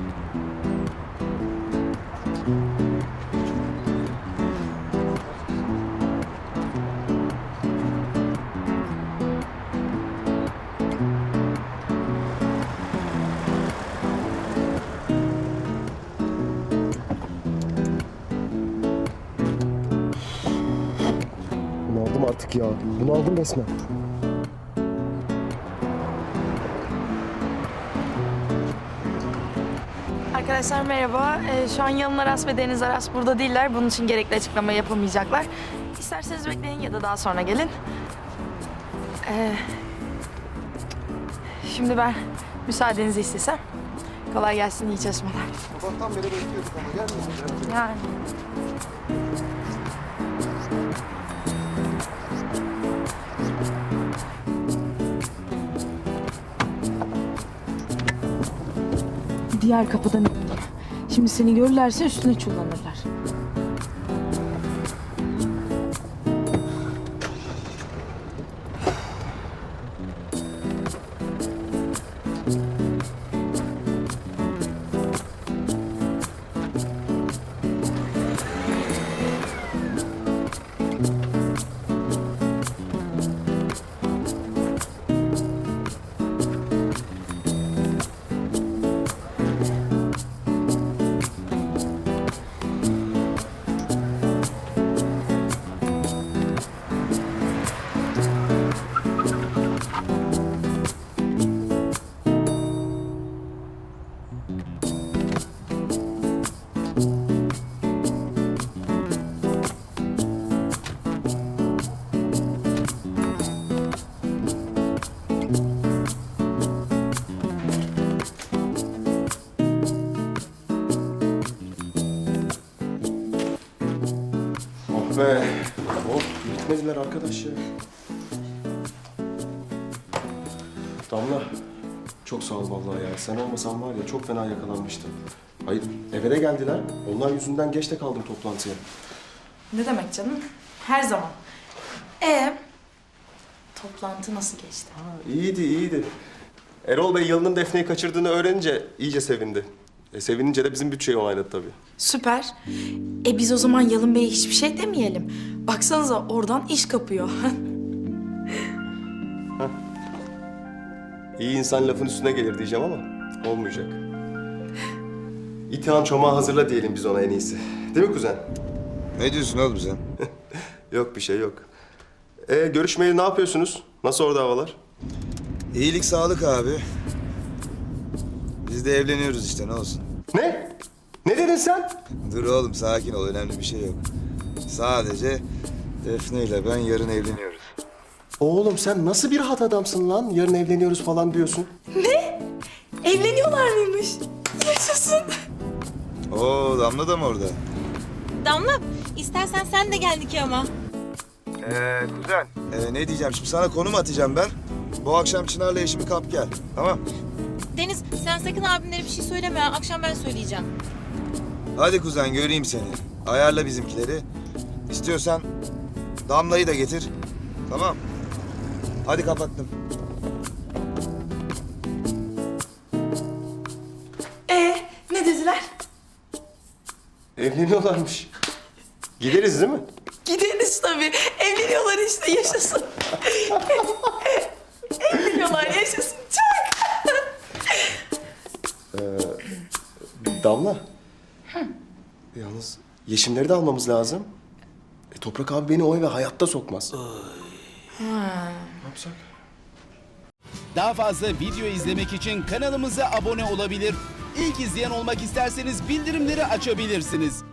Bunaldım artık ya. Bunaldım resmen. Arkadaşlar merhaba. Şu an Yalın Aras ve Deniz Aras burada değiller. Bunun için gerekli açıklama yapamayacaklar. İsterseniz bekleyin ya da daha sonra gelin. Şimdi ben müsaadenizi istesem. Kolay gelsin, iyi çalışmalar. Sabahtan beri bekliyorduk ama gelmedi. Yani. Diğer kapıdan indim. Şimdi seni görürlerse üstüne çullanırlar. Be. Of, bitmediler arkadaş ya. Damla, çok sağ ol vallahi ya. Sen olmasan var ya çok fena yakalanmıştım. Hayır, eve de geldiler. Onlar yüzünden geç de kaldım toplantıya. Ne demek canım? Her zaman. Toplantı nasıl geçti? İyiydi, iyiydi. Erol Bey Yalın'ın Defne'yi kaçırdığını öğrenince iyice sevindi. Sevinince de bizim bütçeyi onayladı tabii. Süper. Biz o zaman Yalın Bey'e hiçbir şey demeyelim. Baksanıza oradan iş kapıyor. İyi insan lafın üstüne gelir diyeceğim ama olmayacak. İtihan çomağı hazırla diyelim biz ona en iyisi. Değil mi kuzen? Ne diyorsun oğlum sen? Yok bir şey yok. Görüşmeye ne yapıyorsunuz? Nasıl orada havalar? İyilik sağlık abi. Biz de evleniyoruz işte ne olsun. Ne? Ne dedin sen? Dur oğlum sakin ol önemli bir şey yok. Sadece Defne ile ben yarın evleniyoruz. Oğlum sen nasıl bir hat adamsın lan? Yarın evleniyoruz falan diyorsun. Evleniyorlar mıymış? Yaşasın. Oo Damla da mı orada? Damla, istersen sen de gel nikahıma. Kuzen. Ne diyeceğim şimdi sana konum atacağım ben. Bu akşam Çınar'la eşimi kap gel. Tamam. Deniz, sen sakın abimlere bir şey söyleme ha. Akşam ben söyleyeceğim. Hadi kuzen göreyim seni. Ayarla bizimkileri. İstiyorsan Damla'yı da getir. Tamam. Hadi kapattım. Ne dediler? Evleniyorlarmış. Gideriz değil mi? Gideriz tabii. Evleniyorlar işte, yaşasın. Evleniyorlar, yaşasın. Çok. Damla. Yalnız Yeşimleri de almamız lazım. Toprak abi beni o eve hayatta sokmaz. Ne yapsak? Daha fazla video izlemek için kanalımıza abone olabilir. İlk izleyen olmak isterseniz bildirimleri açabilirsiniz.